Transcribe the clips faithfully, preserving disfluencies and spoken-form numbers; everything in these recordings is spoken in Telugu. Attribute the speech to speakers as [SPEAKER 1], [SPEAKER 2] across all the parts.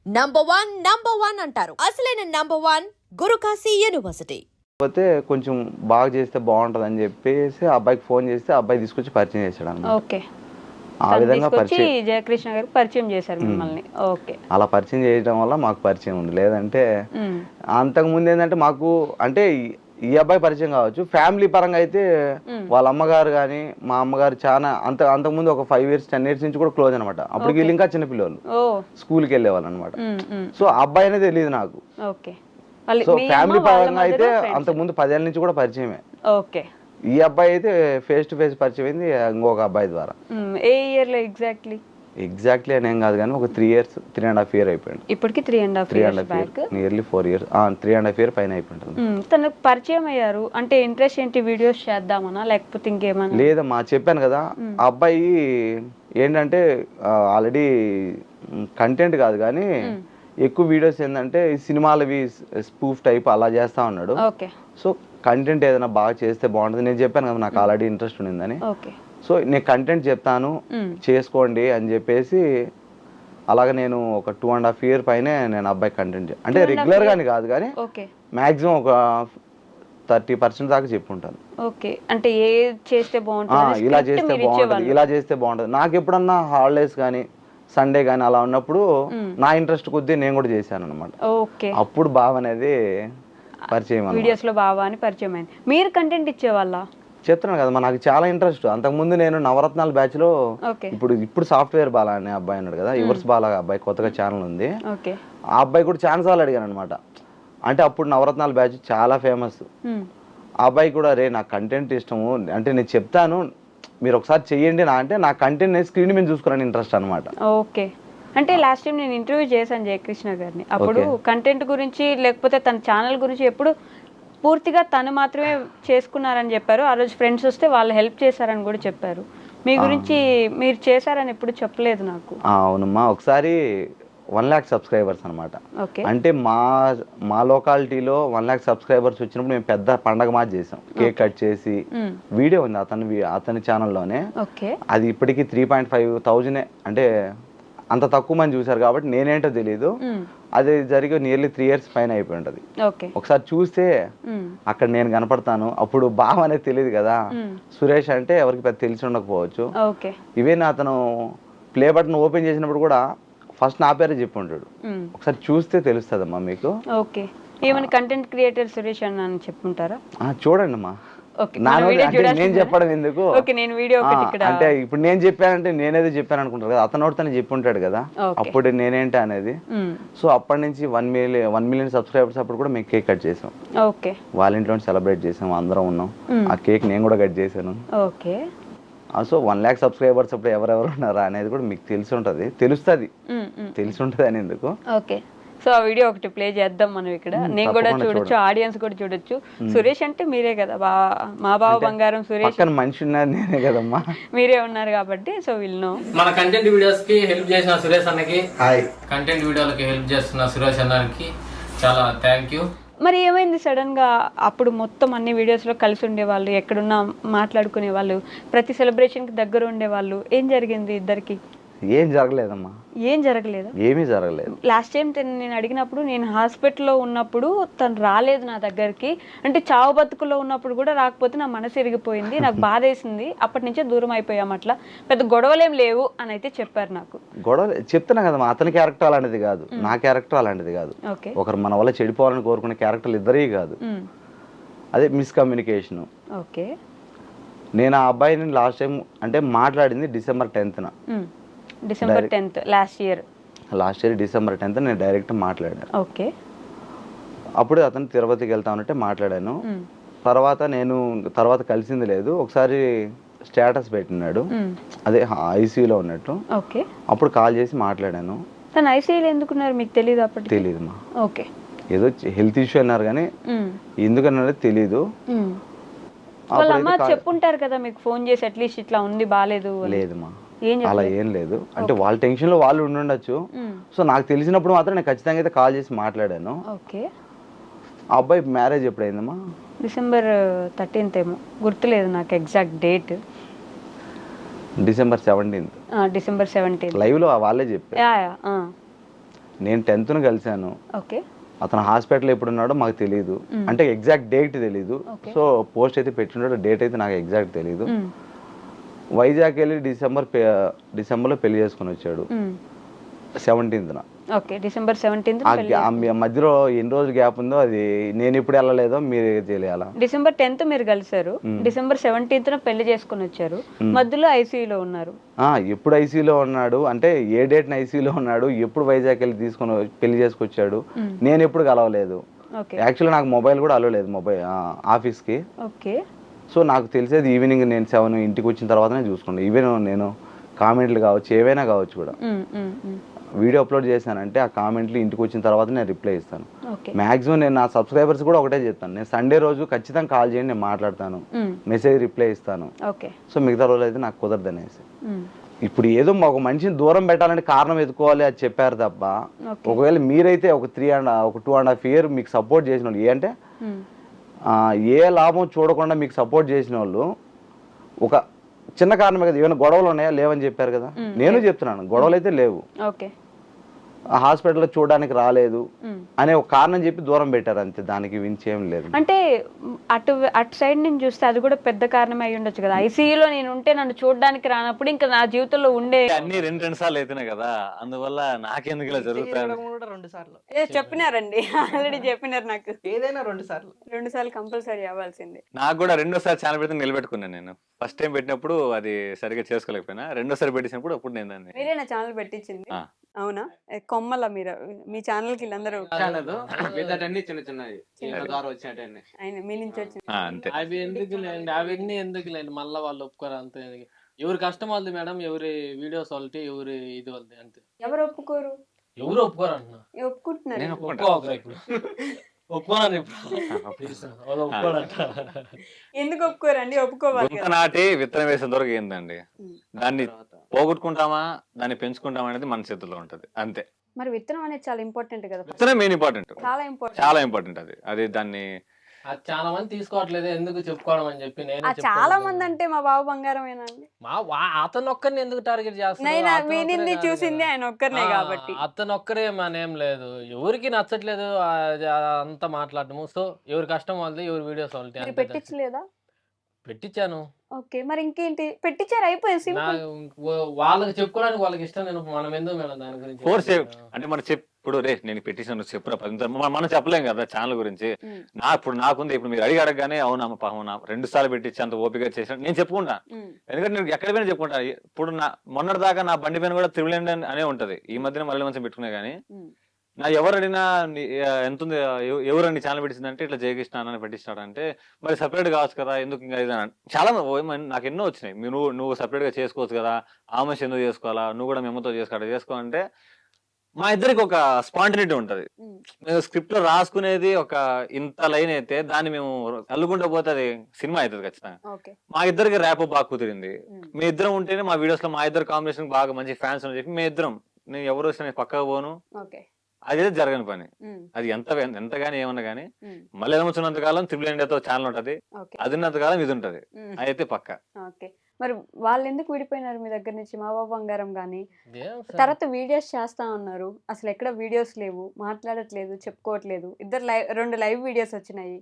[SPEAKER 1] నంబర్ వన్ నంబర్ వన్ అంటారు. అసలైన నంబర్ వన్ గురుకాశీ యూనివర్సిటీ.
[SPEAKER 2] పోతే కొంచెం బాగా చేస్తే బాగుంటది అని చెప్పేసి ఆ అబ్బాయికి ఫోన్ చేస్తే ఆ అబ్బాయి తీసుకొచ్చి పరిచయం చేశాడు అన్నమాట.
[SPEAKER 3] ఓకే.
[SPEAKER 2] ఆ విధంగా పరిచయం
[SPEAKER 3] జయకృష్ణ గారు పరిచయం చేశారు మిమ్మల్ని. ఓకే.
[SPEAKER 2] అలా పరిచయం చేయడం వల్ల మాకు పరిచయం ఉంది. లేదంటే అంతకు ముందు ఏంటంటే మాకు అంటే ఈ అబ్బాయి పరిచయం కావచ్చు, ఫ్యామిలీ పరంగా అయితే వాళ్ళ అమ్మగారు కానీ మా అమ్మగారు చాలా అంత అంతకుముందు ఒక ఫైవ్ ఇయర్స్ టెన్ ఇయర్స్ నుంచి కూడా క్లోజ్ అనమాట. అప్పుడు వీళ్ళు ఇంకా చిన్నపిల్లలు స్కూల్కి వెళ్ళేవాళ్ళు అనమాట. సో అబ్బాయి అనేది తెలియదు నాకు. సో ఫ్యామిలీ పరంగా అయితే అంతకుముందు పదేళ్ళ నుంచి కూడా పరిచయమే.
[SPEAKER 3] ఓకే.
[SPEAKER 2] ఈ అబ్బాయి అయితే ఫేస్ టు ఫేస్ పరిచయం అయింది ఇంకొక అబ్బాయి ద్వారా.
[SPEAKER 3] ఏ ఇయర్ లో ఎగ్జాక్ట్లీ?
[SPEAKER 2] ఎగ్జాక్ట్లీ అని ఏం కాదు కానీ ఒక three years three and half year అయిపోయింది.
[SPEAKER 3] ఇప్పటికి three and half year back,
[SPEAKER 2] nearly four years three and half year పైన అయిపోయింది.
[SPEAKER 3] తనకు పరిచయం అయ్యారు అంటే ఇంట్రెస్ట్ ఏంటి, వీడియోస్ చేద్దామనా లేకపోతే ఇంకేమన్నా?
[SPEAKER 2] లేదమ్మా, చెప్పాను కదా ఆ అబ్బాయి ఏంటంటే ఆల్రెడీ కంటెంట్ కాదు కానీ ఎక్కువ వీడియోస్ ఏంటంటే సినిమాలవి స్పూఫ్ టైప్ అలా చేస్తా ఉన్నాడు.
[SPEAKER 3] ఓకే.
[SPEAKER 2] సో కంటెంట్ ఏదైనా బాగా చేస్తే బాగుంటుంది. నేను చెప్పాను కదా నాకు ఆల్రెడీ ఇంట్రెస్ట్ ఉండిందని. సో నేను కంటెంట్ చెప్తాను చేసుకోండి అని చెప్పేసి అలాగే నేను ఒక టూ అండ్ హాఫ్ ఇయర్ పైన నేను అబ్బాయి కంటెంట్ అంటే రెగ్యులర్ గాని కాదు కానీ మాక్సిమం ఒక థర్టీ పర్సెంట్ దాకా చెప్పుంటాను.
[SPEAKER 3] ఓకే. అంటే ఏ చేస్తే బాగుంటుంది,
[SPEAKER 2] ఇలా చేస్తే బాగుంటుంది, ఇలా చేస్తే బాగుంటుంది. నాకు ఎప్పుడన్నా హాలిడేస్ కానీ సండే కానీ అలా ఉన్నప్పుడు నా ఇంట్రెస్ట్ కొద్దీ నేను కూడా చేశాను అనమాట.
[SPEAKER 3] ఓకే.
[SPEAKER 2] అప్పుడు బావ అనేది పరిచయం,
[SPEAKER 3] వీడియోస్ లో బావ అని పరిచయం అయింది. మీరు కంటెంట్ ఇచ్చేవాళ్ళ?
[SPEAKER 2] చెప్తున్నాను కదా నాకు చాలా ఇంట్రెస్ట్. అంతకుముందు నేను నవరత్నాల బ్యాచ్ లో ఇప్పుడు ఇప్పుడు సాఫ్ట్వేర్ బాలా అనే అబ్బాయి అన్నాడు కదా, యువర్స్ బాలా అబ్బాయి కొత్తగా ఛానల్ ఉంది. ఆ అబ్బాయి కూడా ఛాన్స్ సార్లు అడిగాను అనమాట. అంటే అప్పుడు నవరత్నాల బ్యాచ్ చాలా ఫేమస్. ఆ అబ్బాయి కూడా రే నాకు కంటెంట్ ఇష్టము అంటే నేను చెప్తాను మీరు ఒకసారి చెయ్యండి నా అంటే నా కంటెంట్ స్క్రీన్ మీద చూసుకున్నాను ఇంట్రెస్ట్ అనమాట.
[SPEAKER 3] ఓకే. అంటే లాస్ట్ టైం నేను ఇంటర్వ్యూ చేశాను జయకృష్ణ గారిని. అప్పుడు కంటెంట్ గురించి లేకపోతే తన ఛానల్ గురించి ఎప్పుడు పూర్తిగా తను మాత్రమే చేసుకున్నారని చెప్పారు. ఆ రోజు ఫ్రెండ్స్ వస్తే వాళ్ళు హెల్ప్ చేశారని కూడా చెప్పారు. మీ గురించి మీరు చేశారని ఎప్పుడు చెప్పలేదు నాకు.
[SPEAKER 2] అవునమ్మా, ఒకసారి వన్ ల్యాక్ సబ్స్క్రైబర్స్ అనమాట. అంటే మా మా లొకాలిటీలో వన్ ల్యాక్ సబ్స్క్రైబర్స్ వచ్చినప్పుడు మేము పెద్ద పండగ మాది చేసాం. కేక్ కట్ చేసి వీడియో ఉంది అతని అతని ఛానల్లోనే. అది ఇప్పటికీ త్రీ పాయింట్ ఫైవ్ థౌజండ్ అంటే అంత తక్కువ మంది చూసారు కాబట్టి నేనేంటో తెలియదు. అది జరిగి నియర్లీ త్రీ ఇయర్స్ పైన అయిపోయి ఉంటది. ఒకసారి చూస్తే అక్కడ నేను కనపడతాను. అప్పుడు బావ అనేది తెలియదు కదా, సురేష్ అంటే ఎవరికి పెద్ద తెలిసి ఉండకపోవచ్చు. ఇవే అతను ప్లే బటన్ ఓపెన్ చేసినప్పుడు కూడా ఫస్ట్ నా పేరే చెప్పి ఉంటాడు. ఒకసారి చూస్తే తెలుస్తుందమ్మా మీకు.
[SPEAKER 3] ఓకే. ఏమైనా కంటెంట్ క్రియేటర్ సురేష్ అన్న అని చెప్పుంటారా?
[SPEAKER 2] చూడండి అమ్మా, నేను చెప్పడం ఎందుకు, అంటే ఇప్పుడు నేను చెప్పానంటే నేనేదో చెప్పాను అనుకుంటారు కదా, అతను తను చెప్పి ఉంటాడు కదా అప్పుడు నేనేంటి అనేది. సో అప్పటి నుంచి one million one million subscribers అప్పుడు కూడా మేము కేక్ కట్ చేసాం. వాళ్ళ ఇంట్లో సెలబ్రేట్ చేసాం, అందరం ఉన్నాం. ఆ కేక్ నేను కూడా కట్ చేశాను. సో వన్ ల్యాక్ సబ్స్క్రైబర్స్ అప్పుడు ఎవరెవరు ఉన్నారా అనేది కూడా మీకు తెలిసి ఉంటది, తెలుస్తుంది తెలిసి ఉంటది అని ఎందుకు.
[SPEAKER 3] ఓకే. సో ఆ వీడియో ఒకటి ప్లే చేద్దాం మనం ఇక్కడ. నేను కూడా చూడొచ్చు, ఆడియన్స్ కూడా చూడొచ్చు. సురేష్ అంటే మీరే కదా, బా మా బావ బంగారం సురేష్
[SPEAKER 2] మనిషి ఉన్నారు నేనే కదమ్మా,
[SPEAKER 3] మీరే ఉన్నారు కాబట్టి. సో వీళ్ళు
[SPEAKER 4] మన కంటెంట్ వీడియోస్ కి హెల్ప్ చేసిన సురేష్ అన్నకి, కంటెంట్ వీడియోలకి హెల్ప్ చేస్తున్న సురేష్ అన్నకి చాలా థ్యాంక్ యూ.
[SPEAKER 3] మరి ఏమైంది సడన్ గా? అప్పుడు మొత్తం అన్ని వీడియోస్ లో కలిసి ఉండేవాళ్ళు, ఎక్కడున్నా మాట్లాడుకునే వాళ్ళు, ప్రతి సెలబ్రేషన్ కి దగ్గర ఉండేవాళ్ళు. ఏం జరిగింది ఇద్దరికి?
[SPEAKER 2] ఏం జరగలేదమ్మా.
[SPEAKER 3] ఏం జరగలేదు?
[SPEAKER 2] ఏమీ జరగలేదు.
[SPEAKER 3] లాస్ట్ టైం నేను అడిగినప్పుడు నేను హాస్పిటల్లో ఉన్నప్పుడు తను రాలేదు నా దగ్గరికి. అంటే చావు బతుకులో ఉన్నప్పుడు కూడా రాకపోతే నా మనసు ఇరిగిపోయింది, నాకు బాధ వేసింది, అప్పటి నుంచే దూరం అయిపోయాం. అట్లా పెద్ద గొడవలేం లేవు అని అయితే చెప్పారు నాకు.
[SPEAKER 2] గొడవ చెప్తున్నా కదమ్మా, అతని క్యారెక్టర్ అలాంటిది కాదు, నా క్యారెక్టర్ అలాంటిది కాదు. ఒకరు మన వల్ల చెడిపోవాలని కోరుకునే క్యారెక్టర్లు ఇద్దరే కాదు. అదే మిస్కమ్యూనికేషన్.
[SPEAKER 3] ఓకే.
[SPEAKER 2] నేను ఆ అబ్బాయిని లాస్ట్ టైం అంటే మాట్లాడింది డిసెంబర్ టెన్త్న
[SPEAKER 3] December tenth last year
[SPEAKER 2] last year December tenth నేను డైరెక్ట్ మాట్లాడాను.
[SPEAKER 3] ఓకే. అప్పుడు
[SPEAKER 2] అతను తిరుపతికి వెళ్తానంటే మాట్లాడాను. తర్వాత నేను తర్వాత కలిసింది లేదు. ఒకసారి స్టేటస్ పెట్టినాడు, అదే ఐసీయూలో ఉన్నట్టు.
[SPEAKER 3] ఓకే.
[SPEAKER 2] అప్పుడు కాల్ చేసి మాట్లాడాను.
[SPEAKER 3] తను ఐసీయూలో ఎందుకున్నారు మీకు తెలియదు? అప్పటికి
[SPEAKER 2] తెలియదు మా.
[SPEAKER 3] ఓకే.
[SPEAKER 2] ఏదో హెల్త్ ఇష్యూ అన్నారు కానీ ఎందుకన్నారో తెలీదు.
[SPEAKER 3] వాళ్ళ అమ్మ చెప్పుంటారు కదా మీకు ఫోన్ చేసి అట్లీస్ట్ ఇట్లా ఉంది బాగాలేదు?
[SPEAKER 2] లేదమ్మా, అలా ఏం లేదు. అంటే వాళ్ళ టెన్షన్ లో వాళ్ళు ఉండుండొచ్చు. సో నాకు తెలిసినప్పుడు మాత్రం నేను ఖచ్చితంగా అయితే కాల్ చేసి మాట్లాడాను.
[SPEAKER 3] ఓకే.
[SPEAKER 2] ఆ అబ్బాయి మ్యారేజ్ ఎప్పుడైందమ్మా?
[SPEAKER 3] డిసెంబర్ థర్టీన్త్ ఏమో, గుర్తులేదు నాకు exact date.
[SPEAKER 2] December seventeenth
[SPEAKER 3] December seventeenth
[SPEAKER 2] live లో వాళ్ళే చెప్పారు. నేను టెన్త్ను కలిశాను.
[SPEAKER 3] ఓకే.
[SPEAKER 2] అతను హాస్పిటల్ ఎప్పుడు ఉన్నాడో మాకు తెలియదు, అంటే ఎగ్జాక్ట్ డేట్ తెలీదు. సో పోస్ట్ అయితే పెట్టినాడో డేట్ అయితే నాకు ఎగ్జాక్ట్ తెలీదు. వైజాగ్ వెళ్ళి డిసెంబర్ డిసెంబర్లో పెళ్లి చేసుకుని వచ్చాడు సెవెంటీన్త్న.
[SPEAKER 3] Okay, December seventeenth.
[SPEAKER 2] మధ్యలో ఎన్ని రోజులు గ్యాప్ ఉందో అది నేను ఇప్పుడు వెళ్ళలేదో మీరు తెలియాలా.
[SPEAKER 3] డిసెంబర్ టెన్త్ మీరు కలిసారు, డిసెంబర్ సెవెంటీన్త్ పెళ్లి చేసుకుని వచ్చారు, మధ్యలో ఐసీయూలో ఉన్నారు.
[SPEAKER 2] ఎప్పుడు ఐసీయూలో ఉన్నాడు అంటే ఏ డేట్ ఐసీయూలో ఉన్నాడు, ఎప్పుడు వైజాగ్ వెళ్ళి తీసుకొని పెళ్లి చేసుకొచ్చాడు, నేను ఎప్పుడు కలవలేదు. యాక్చువల్లీ నాకు మొబైల్ కూడా అలో లేదు మొబైల్ ఆఫీస్కి.
[SPEAKER 3] ఓకే.
[SPEAKER 2] సో నాకు తెలిసేది ఈవినింగ్ నేను సెవెన్ ఇంటికి వచ్చిన తర్వాతనే చూసుకున్నాను. ఈవెన్ నేను కామెంట్లు కావచ్చు ఏవైనా కావచ్చు కూడా వీడియో అప్లోడ్ చేశానంటే ఆ కామెంట్లు ఇంటికి వచ్చిన తర్వాత నేను రిప్లై ఇస్తాను. మాక్సిమం నేను నా సబ్స్క్రైబర్స్ కూడా ఒకటే చెప్తాను, నేను సండే రోజు ఖచ్చితంగా కాల్ చేయండి, నేను మాట్లాడతాను, మెసేజ్ రిప్లై ఇస్తాను. సో మిగతా రోజులు అయితే నాకు కుదరదు అనేసి. ఇప్పుడు ఏదో ఒక మనిషిని దూరం పెట్టాలంటే కారణం ఎదుకోవాలి అది చెప్పారు తప్ప, ఒకవేళ మీరైతే ఒక త్రీ అండ్ ఒక టూ అండ్ హాఫ్ ఇయర్ మీకు సపోర్ట్ చేసిన వాళ్ళు, ఏ అంటే ఏ లాభం చూడకుండా మీకు సపోర్ట్ చేసిన వాళ్ళు ఒక చిన్న కారణమే కదా, ఏమైనా గొడవలు ఉన్నాయా లేవని చెప్పారు కదా, నేను చెప్తున్నాను గొడవలు అయితే లేవు, హాస్పిటల్లో చూడడానికి రాలేదు అనే ఒక కారణం చెప్పి దూరం పెట్టారు అంతే, దానికి వించేం లేదు.
[SPEAKER 3] అంటే అటు అటు సైడ్ నుంచి చూస్తే అది కూడా పెద్ద కారణం అయి ఉండొచ్చు కదా, ఐసీయూలో నేను ఉంటే నన్ను చూడడానికి రానప్పుడు ఇంకా నా జీవితంలో ఉండే
[SPEAKER 5] అన్ని రెండు రెండు సార్లు అయితేనే కదా, అందువల్ల నాకెందుకు ఇలా జరుగుతాయి.
[SPEAKER 6] రెండు సార్లు
[SPEAKER 3] చెప్పినారండి, ఆల్రెడీ చెప్పినారు నాకు,
[SPEAKER 6] ఏదైనా రెండు సార్లు
[SPEAKER 3] రెండు సార్లు కంపల్సరీ అవ్వాల్సిందే.
[SPEAKER 5] నాకు కూడా రెండోసారి ఛానల్ పెడితే నిలబెట్టుకున్నాను. నేను ఫస్ట్ టైం పెట్టినప్పుడు అది సరిగ్గా చేసుకోలేకపోయినా, రెండోసారి పెట్టినప్పుడు అప్పుడు నేను దాన్ని.
[SPEAKER 3] మీరే నా ఛానల్ పెట్టించింది? అవునా, కొమ్మల మీరు మీ ఛానల్ కి వీళ్ళందరూ
[SPEAKER 6] చిన్న చిన్నది ద్వారా వచ్చినట్టు
[SPEAKER 3] ఆయన మీ నుంచి వచ్చి
[SPEAKER 5] అంతే.
[SPEAKER 4] అవి ఎందుకు లేండి, అవన్నీ ఎందుకు లేండి, మళ్ళీ వాళ్ళు ఒప్పుకోరు అంతే. ఎవరి కష్టం వాళ్ళది మేడం, ఎవరి వీడియోస్ వాళ్ళకి, ఎవరి ఇది వాళ్ళది అంతే.
[SPEAKER 3] ఎవరు ఒప్పుకోరు?
[SPEAKER 4] ఎవరు ఒప్పుకోరు అంటున్నా,
[SPEAKER 3] ఒప్పుకుంటున్నారు.
[SPEAKER 4] ఒప్పుకోనని
[SPEAKER 3] ఎందుకు ఒప్పుకోరండి? ఒప్పుకోవాలి.
[SPEAKER 5] నాటి విత్తనం వేసిన దొరకు ఏందండి, దాన్ని పోగొట్టుకుంటామా దాన్ని పెంచుకుంటామా అనేది మన చేతుల్లో ఉంటది అంతే.
[SPEAKER 3] మరి విత్తనం అనేది చాలా ఇంపార్టెంట్ కదా,
[SPEAKER 5] విత్తనం మెయిన్ ఇంపార్టెంట్,
[SPEAKER 3] చాలా ఇంపార్టెంట్,
[SPEAKER 5] చాలా ఇంపార్టెంట్ అది. అది దాన్ని
[SPEAKER 4] చాలా మంది తీసుకోవట్లేదు, ఎందుకు చెప్పుకోవడం అని చెప్పి నేను.
[SPEAKER 3] చాలా మంది అంటే మా బాబు బంగారమేనండి,
[SPEAKER 4] మా అతను ఒక్కరిని ఎందుకు టార్గెట్
[SPEAKER 3] చేస్తున్నారు? చూసింది ఆయన ఒక్కరినే కాబట్టి
[SPEAKER 4] అతను ఒక్కరే మనేం లేదు, ఎవరికి నచ్చట్లేదు అంతా మాట్లాడటము. సో ఎవరి కష్టం వాళ్ళది, ఎవరి వీడియోస్ వాళ్ళది.
[SPEAKER 3] పెట్టించలేదా?
[SPEAKER 4] పెట్టించాను.
[SPEAKER 3] ఓకే, మరి ఇంకేంటి పెట్టించారు, అయిపోయింది.
[SPEAKER 4] వాళ్ళకి చెప్పుకోవడానికి వాళ్ళకి ఇష్టం, నేను మనం ఎందుకు మేడం దాని గురించి
[SPEAKER 5] ఫోర్స్ అంటే మనం చెప్పు. ఇప్పుడు రే నేను పెట్టేసాను చెప్పిన పది మనం చెప్పలేం కదా ఛానల్ గురించి. నా ఇప్పుడు నాకుంది, ఇప్పుడు మీరు అడిగి అడగగానే అవునా పాపం రెండు సార్లు పెట్టించి అంత ఓపిక చేసాను నేను చెప్పుకుంటా, ఎందుకంటే నేను ఎక్కడ పోయినా చెప్పుకుంటా. ఇప్పుడు నా మొన్నటి దాకా నా బండి పైన కూడా త్రిబుల్ అనే ఉంటది, ఈ మధ్యన మళ్ళీ మంచి పెట్టుకునే కానీ నా ఎవరు అడిగినా ఎంత ఉంది, ఎవరండి ఛానల్ పెట్టిందంటే ఇట్లా జయకృష్ణ అని పెట్టించాడు అంటే, మరి సపరేట్ కావచ్చు కదా ఎందుకు ఇంకా ఇది చాలా నాకు ఎన్నో వచ్చినాయి. మీరు నువ్వు నువ్వు సపరేట్ గా చేసుకోవచ్చు కదా, ఆమె ఎందుకు చేసుకోవాలా, నువ్వు కూడా మేమతో చేసుకోవాలి చేసుకోవాలంటే మా ఇద్దరికి ఒక స్పాంటినిటీ ఉంటది. మేము స్క్రిప్ట్ లో రాసుకునేది ఒక ఇంత లైన్ అయితే దాన్ని మేము అల్లుకుంటూ పోతే అది సినిమా అవుతుంది ఖచ్చితంగా. మా ఇద్దరికి ర్యాప్ బాగా కుదిరింది, మీ ఇద్దరం ఉంటేనే మా వీడియోస్ లో మా ఇద్దరు కాంబినేషన్ బాగా మంచి ఫ్యాన్స్ అని చెప్పి మీ ఇద్దరం, నేను ఎవరు వచ్చినా పక్కకు పోను, అదే జరగని పని. అది ఎంత ఎంతగాని ఏమన్నా గానీ మళ్ళీ ఏమొచ్చినంత కాలం త్రిబుల్ ఇండియాతో ఛానల్ ఉంటది, అది ఉన్నంత కాలం ఇది ఉంటది, అయితే పక్క.
[SPEAKER 3] మరి వాళ్ళు ఎందుకు విడిపోయినారు మీ దగ్గర నుంచి? మా బాబు బంగారం గానీ తర్వాత వీడియోస్ చేస్తా ఉన్నారు, అసలు ఎక్కడ వీడియోస్ లేవు, మాట్లాడట్లేదు, చెప్పుకోవట్లేదు. ఇద్దరు లైవ్ రెండు లైవ్ వీడియోస్ వచ్చినాయి,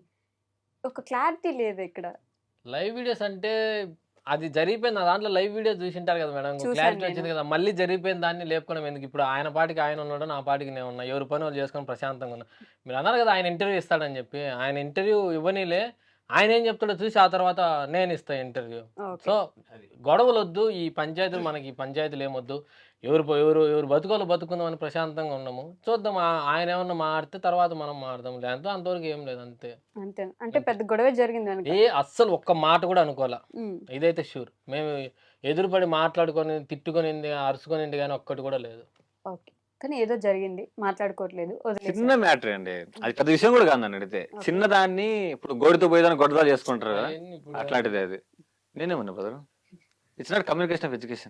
[SPEAKER 3] ఒక క్లారిటీ లేదు ఇక్కడ.
[SPEAKER 4] లైవ్ వీడియోస్ అంటే అది జరిగిపోయింది, దాంట్లో లైవ్ వీడియో చూసింటారు కదా మేడం, క్లారిటీ వచ్చింది కదా. మళ్ళీ జరిగిపోయిన దాన్ని లేపుకోవడం ఎందుకు? ఇప్పుడు ఆయన పాటికి ఆయన ఉన్నాడు, నా పాటికి నేను ఉన్నా, ఎవరి పని వాళ్ళు చేసుకొని ప్రశాంతంగా ఉన్నా. మీరు అన్నారు కదా ఆయన ఇంటర్వ్యూ ఇస్తాడని చెప్పి, ఆయన ఇంటర్వ్యూ ఇవ్వనీలే, ఆయన ఏం చెప్తాడో చూసి ఆ తర్వాత నేను ఇస్తాను ఇంటర్వ్యూ. సో గొడవలు వద్దు, ఈ పంచాయతీలు మనకి ఈ పంచాయతీలు ఏమొద్దు, ఎవరు ఎవరు ఎవరు బతుకోలు బతుకుందామని ప్రశాంతంగా ఉన్నాము. చూద్దాం, ఆయన ఏమన్నా మారితే తర్వాత మనం మారుదాం, లేదంటే అంతవరకు ఏం లేదు అంతే.
[SPEAKER 3] అంతే అంటే పెద్ద గొడవ జరిగింది
[SPEAKER 4] ఏ అస్సలు ఒక్క మాట కూడా అనుకోవాలా, ఇదైతే షూర్. మేము ఎదురుపడి మాట్లాడుకొని తిట్టుకునింది అరుచుకునింది కానీ ఒక్కటి కూడా లేదు.
[SPEAKER 3] ఓకే, కానీ ఏదో జరిగింది, మాట్లాడుకోవట్లేదు.
[SPEAKER 5] చిన్న మ్యాటర్ అండి, అది పెద్ద విషయం కూడా కాదు అడిగితే. చిన్నదాన్ని ఇప్పుడు గోడితో పోయేదాన్ని గొడవలు చేసుకుంటారు కదా, అట్లాంటిది అది. నేనేమన్నా brother, it's not communication of education.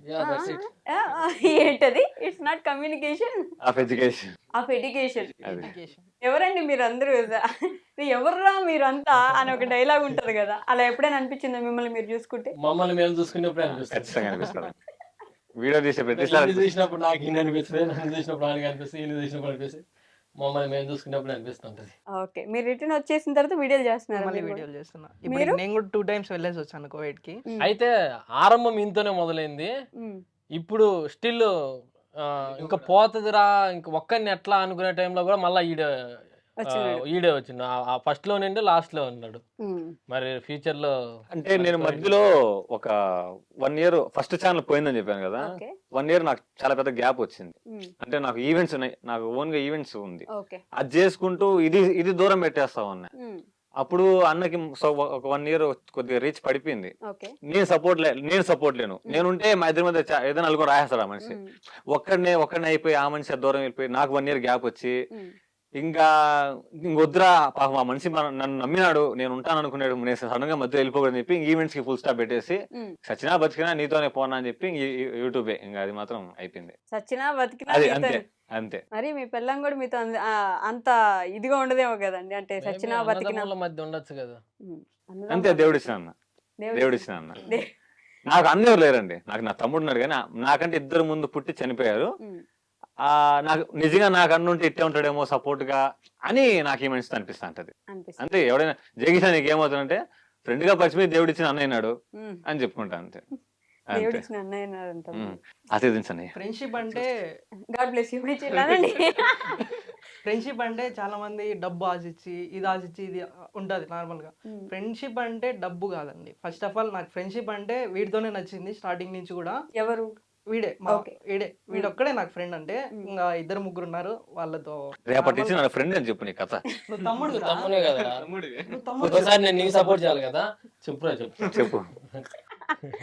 [SPEAKER 3] ఏంటది? It's not communication
[SPEAKER 5] of education
[SPEAKER 3] of education. ఎవరండి మీరు అందరూ, ఎవర్రా మీరంతా అని ఒక డైలాగ్ ఉంటది కదా, అలా ఎప్పుడైనా అనిపించిందా మిమ్మల్ని మీరు చూసుకుంటే?
[SPEAKER 4] మమ్మల్ని మేము చూసుకునేప్పుడు
[SPEAKER 5] ఖచ్చితంగా అనిపిస్తుంది. వీడియో తీసే ప్రతిసారి
[SPEAKER 4] ఇది చూసినప్పుడు నాకు ఈయన అనిపిస్తుంది, నన్ను చూసినప్పుడు ఆయనకి అనిపిస్తుంది, ఈయన చూసినప్పుడు అనిపిస్తుంది, మమ్మల్ని మేము చూసుకున్నప్పుడు అనిపిస్తుంటది.
[SPEAKER 3] ఓకే, మీరు రిటర్న్ వచ్చేసిన తర్వాత వీడియోలు చేస్తున్నారు
[SPEAKER 7] మళ్ళీ వీడియోలు చేస్తున్నా. ఇప్పుడు నేను కూడా టూ టైమ్స్ వెళ్ళేసి వచ్చాను కోవిడ్ కి.
[SPEAKER 4] అయితే ఆరంభం ఇంతనే మొదలైంది, ఇప్పుడు స్టిల్ ఇంకా పోతుందిరా ఇంకా ఒక్కరిని ఎట్లా అనుకునే టైంలో కూడా మళ్ళీ ఈడ ఈడే వచ్చిండు. ఆ ఫస్ట్ లో నుండి లాస్ట్ లో ఉన్నాడు. మరి ఫ్యూచర్ లో
[SPEAKER 5] అంటే నేను మధ్యలో ఒక వన్ ఇయర్ ఫస్ట్ ఛానల్ పోయిందని చెప్పాను కదా, వన్ ఇయర్ నాకు చాలా పెద్ద గ్యాప్ వచ్చింది. అంటే నాకు ఈవెంట్స్ ఉన్నాయి, నాకు ఓన్ గా ఈవెంట్స్ ఉంది, అది చేసుకుంటూ ఇది ఇది దూరం పెట్టేస్తా ఉన్నా. అప్పుడు అన్నకి ఒక వన్ ఇయర్ కొద్దిగా రీచ్ పడిపోయింది. నేను సపోర్ట్ లే నేను సపోర్ట్ లేను నేనుంటే మా ఇద్దరి మధ్య ఏదైనా నలుగురు రాయేస్తాడు ఆ మనిషి. ఒక్కడనే ఒక్కడనే అయిపోయి ఆ మనిషి దూరం వెళ్ళిపోయి నాకు వన్ ఇయర్ గ్యాప్ వచ్చి ఇంకా ఇంకొద్దురా పాపం ఆ మనిషి నన్ను నమ్మినాడు, నేను ఉంటాను అనుకున్నాడు, నేను సడన్ గా మధ్య వెళ్ళిపోకూడదని చెప్పి ఈవెంట్స్ కి ఫుల్ స్టాప్ పెట్టేసి సచినా బతికినా నీతోనే పోనా అని చెప్పి యూట్యూబే ఇంకా అది మాత్రం అయిపోయింది.
[SPEAKER 3] సచినా బతికినా
[SPEAKER 5] అది అంతే అంతే.
[SPEAKER 3] మరి మీ పిల్లం కూడా మీతో అంత ఇదిగా ఉండదేమో కదండి, అంటే సచినా బతికినా
[SPEAKER 4] మధ్య ఉండొచ్చు కదా.
[SPEAKER 5] అంతే, దేవుడు ఇచ్చిన అన్న, దేవుడు ఇచ్చిన అన్న. నాకు అన్నెవరు లేరండి, నాకు నా తమ్ముడు ఉన్నాడు కానీ నాకంటే ఇద్దరు ముందు పుట్టి చనిపోయారు. ఆ నాకు నిజంగా నాకు అన్నుంటే ఇట్టే ఉంటాడేమో సపోర్ట్ గా అని నాకు ఈ మనిషి అనిపిస్తా ఉంటది. అంతే, ఎవడైనా జగిసా నీకు ఏమవుతుందంటే ఫ్రెండ్ గా పరిచయం దేవుడు ఇచ్చిన అన్నయ్యనాడు అని చెప్పుకుంటా అంతే. ఆశీర్వదించండి.
[SPEAKER 7] ఫ్రెండ్షిప్ అంటే
[SPEAKER 3] గాడ్ బ్లెస్ యు.
[SPEAKER 7] ఫ్రెండ్షిప్ అంటే చాలా మంది డబ్బు ఆశించి ఇది ఆశించి ఇది ఉంటది నార్మల్ గా. ఫ్రెండ్షిప్ అంటే డబ్బు కాదండి. ఫస్ట్ ఆఫ్ ఆల్ నాకు ఫ్రెండ్షిప్ అంటే వీడితోనే నచ్చింది స్టార్టింగ్ నుంచి కూడా.
[SPEAKER 3] ఎవరు?
[SPEAKER 7] వీడే వీడే వీడొక్కడే నాకు ఫ్రెండ్. అంటే ఇంకా ఇద్దరు ముగ్గురు ఉన్నారు, వాళ్ళతో
[SPEAKER 5] రేపటి నుంచి నా ఫ్రెండ్ అని చెప్పు నీ కథ.
[SPEAKER 7] నువ్వు తమ్ముడు
[SPEAKER 4] తమ్ముడే కదా, ఒకసారి నేను నీకు సపోర్ట్ చేయాలి కదా. చెప్పురా చెప్పు
[SPEAKER 5] చెప్పు